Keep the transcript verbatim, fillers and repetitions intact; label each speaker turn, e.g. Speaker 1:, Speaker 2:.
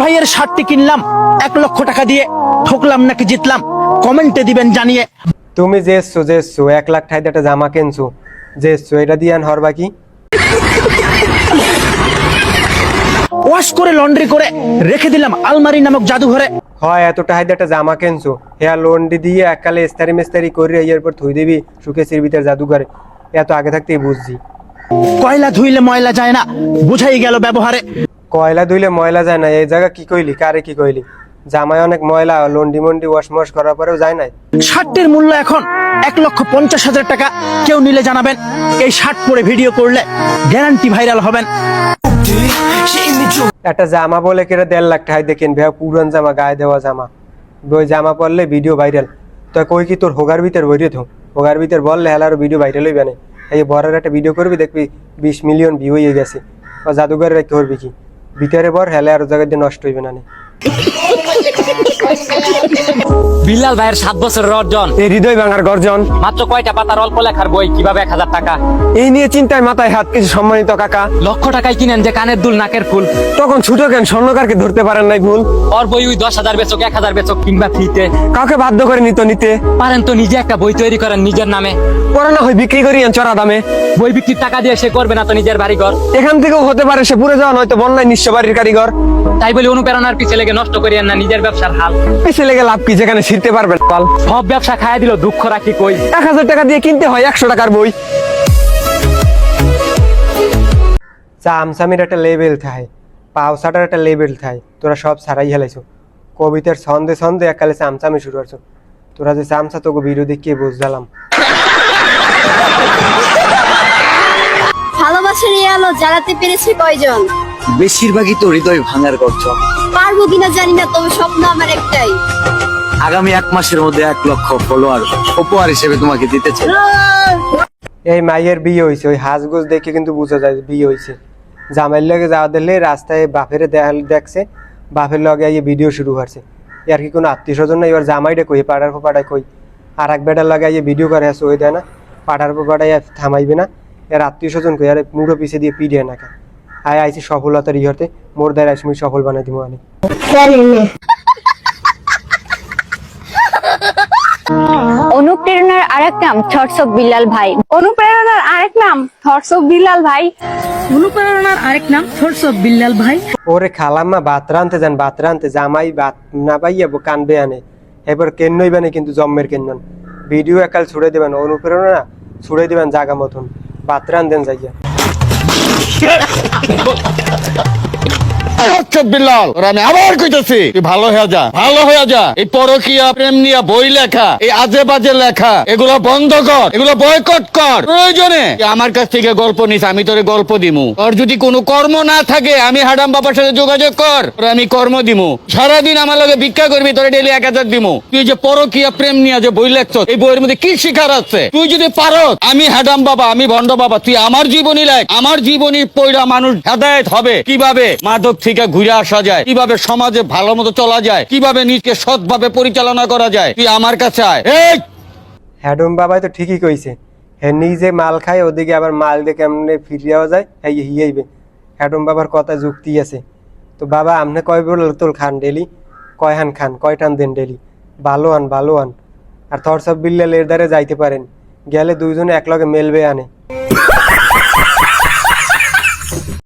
Speaker 1: ভাইয়ের শার্টটি কিনলাম এক লক্ষ টাকা দিয়ে, ঠকলাম নাকি জিতলাম কমেন্টে দিবেন জানিয়ে।
Speaker 2: তুমি যেছো যেছো এক লাখ টাকা একটা জামা কিনছো, যেছো এটা দিয়ে আন হরবা কি?
Speaker 1: ওয়াশ করে লন্ড্রি করে রেখে দিলাম আলমারি নামক জাদুঘরে।
Speaker 2: হয় এত টাকা দিয়ে একটা জামা কিনছো, হেয়ার লন্ড্রি দিয়ে এককালে ইস্তারি মিস্তারি করে এরপর থুই দিবি সুকেশের ভিতরে জাদুঘরে, এত আগে থাকতেই বুঝছি।
Speaker 1: কয়লা ধুইলে ময়লা যায় না, বুঝাই গেল ব্যবহারে।
Speaker 2: কয়লা ধুইলে ময়লা যায় না, এই জায়গা কি কইলি, কারে কি কইলি? জামায় অনেক ময়লা, লন্ডি মন্ডি ওয়াশ মশ করার পরেও যায় নাই।
Speaker 1: শার্টের মূল্য এখন এক লক্ষ পঞ্চাশ হাজার টাকা। কেউ নিলে জানাবেন, এই শার্ট পরে ভিডিও করলে গ্যারান্টি ভাইরাল হবেন।
Speaker 2: একটা জামা বলে কেটে দেড় লাখ টাকা দিয়ে কিনবে, পুরান জামা, গায়ে দেওয়া জামা, ওই জামা পরলে ভিডিও ভাইরাল। তো কই কি তোর হোগার ভিতর বইরে থো, হোগার ভিতর বললে হেলার ভিডিও ভাইরাল হইবে না। এই বরের একটা ভিডিও করবি, দেখবি বিশ মিলিয়ন ভিউ হয়ে গেছে। ও জাদুঘরে রেখে করবি কি, ভিতরে বর হেলে আর জায়গা দিয়ে নষ্ট হইবে না।
Speaker 3: বিল্লাল ভাইয়ের সাত বছরের অর্জন,
Speaker 2: এই হৃদয় ভাঙার গর্জন,
Speaker 3: মাত্র কয়টা পাতার অল্প লেখার বই, কিভাবে এক হাজার টাকা,
Speaker 2: এই নিয়ে চিন্তায় মাথায় হাত, কিছু সম্মানিত কাকা।
Speaker 3: লক্ষ টাকায় কিনেন যে কানের দুল নাকের ফুল,
Speaker 2: তখন ছোট কেন স্বর্ণকারকে ধরতে পারেন নাই ভুল।
Speaker 3: ওর বই ওই দশ হাজার বেচক, এক হাজার বেচক কিংবা ফ্রিতে,
Speaker 2: কাউকে বাধ্য করে নিত নিতে
Speaker 3: পারেন তো নিজে একটা বই তৈরি করেন নিজের নামে,
Speaker 2: পড়ানো হয় বিক্রি করি চড়া দামে।
Speaker 3: বই বিক্রির টাকা দিয়ে সে করবে না তো নিজের বাড়ি ঘর,
Speaker 2: এখান থেকেও হতে পারে সে পুরে যাওয়া, নয়তো বন্যায় নিঃস্ব বাড়ির কারিগর।
Speaker 3: তাই বলে অনুপ্রেরণার পিছে লেগে নষ্ট করিয়েন না নিজের ব্যবসার হাল।
Speaker 2: পিছে লেগে লাভ কি, যেখানে ছিঁড়তে পারবেন পাল।
Speaker 3: সব ব্যবসা খাইয়া দিল, দুঃখ রাখি কই।
Speaker 2: এক হাজার টাকা দিয়ে কিনতে হয় একশো টাকার বই। চামচামির একটা লেভেল থাকে, পাউসাটার একটা লেভেল থাকে, তোরা সব ছাড়াই হেলাইছো। কবিতার ছন্দে ছন্দে এককালে চামচামি শুরু করছো। তোরা যে চামচা তোকে ভিডিও দেখিয়ে বুঝলাম।
Speaker 4: ভালোবাসা নিয়ে আলো জ্বালাতে পেরেছে কয়জন?
Speaker 5: বেশিরভাগই তো হৃদয় ভাঙার গর্জন।
Speaker 4: পারবো কিনা জানি না, তবে স্বপ্ন আমার একটাই,
Speaker 5: আগামী এক মাসের মধ্যে এক লক্ষ ফলোয়ার উপহার হিসেবে তোমাকে দিতে চাই।
Speaker 2: এই মাইয়ের বিয়ে হয়েছে, ওই হাঁসগুজ দেখে কিন্তু বোঝা যায় বিয়ে হয়েছে। জামাইয়ের লগে যাওয়া দিলে রাস্তায় বাপের দেখছে, বাপের লগে এই ভিডিও শুরু করছে। আর কি কোনো আত্মীয় স্বজন না, এবার জামাইটা কই, পাড়ার পর পাড়ায় কই, আর এক বেটার লগে এই ভিডিও করে আসে, ওই দেয় না পাড়ার পর পাড়ায় থামাইবে না, এর আত্মীয় স্বজন কই, আর মুড়ো পিছিয়ে দিয়ে পিড়ে না কে আয় আইসি সফলতার ইহতে, মোর দ্বারা আসমি সফল বানাই দিব আমি।
Speaker 6: অনুপ্রেরণার আরেক নাম থটস অফ বিল্লাল ভাই। অনুপ্রেরণার আরেক নাম থটস অফ বিল্লাল ভাই।
Speaker 7: অনুপ্রেরণার আরেক নাম থটস অফ বিল্লাল ভাই।
Speaker 2: ওরে খালাম্মা ভাত রানতে যান, ভাত রানতে জামাই ভাত না পাইয়া কানবে আনে, এবার কেন্নই বানে কিন্তু জম্মের কেন্নন। ভিডিও একাল ছুড়ে দিবেন, অনুপ্রেরণা ছুড়ে দিবেন জাগা মতন, ভাত রান দেন যাইয়া।
Speaker 8: বিল্লাল আমি আবার কইতেছি, তুই ভালো হয়ে যা, ভালো হয়ে যা। এই পরকীয়া প্রেম নিয়ে বই লেখা, এই আজে বাজে লেখা, এগুলো বন্ধ কর, এগুলো বয়কট কর। প্রয়োজনে আমার কাছ থেকে গল্প নিস, আমি তোরে গল্প দিমু। তোর যদি কোনো কর্ম না থাকে, আমি হাডাম বাবার সাথে যোগাযোগ কর, তোরে আমি কর্ম দিমু। সারাদিন আমার লগে ভিক্ষা করবি, তোরে ডেলি এক হাজার দিমু। তুই যে পরকীয়া প্রেম নিয়ে যে বই লেখছ, এই বইয়ের মধ্যে কি শিখার আছে? তুই যদি পারো, আমি হাডাম বাবা, আমি ভণ্ড বাবা, তুই আমার জীবনী লেখ। আমার জীবনী পড়া মানুষ হেদায়েত হবে, কিভাবে মাদক থেকে ঘুরে আসা যায়, কিভাবে সমাজে ভালো মতো চলা যায়, কিভাবে নিজকে সৎভাবে পরিচালনা করা যায়, তুই আমার কাছে আয়। এই
Speaker 2: হ্যাডম বাবাই তো ঠিকই কইছে, হে নিজে মাল খায়, ওদিকে আবার মাল দিয়ে কেমনে ফিরিয়াও যায়, হ্যাঁ হিয়াইবে। হ্যাডম বাবার কথা যুক্তি আছে। তো বাবা আপনি কয় বল তোল খান ডেলি, কয় হান খান, কয় টান দেন ডেলি, ভালো আন ভালো আন। আর থটস অফ বিল্লাল এর দ্বারে যাইতে পারেন, গেলে দুইজনে এক লগে মেলবে আনে।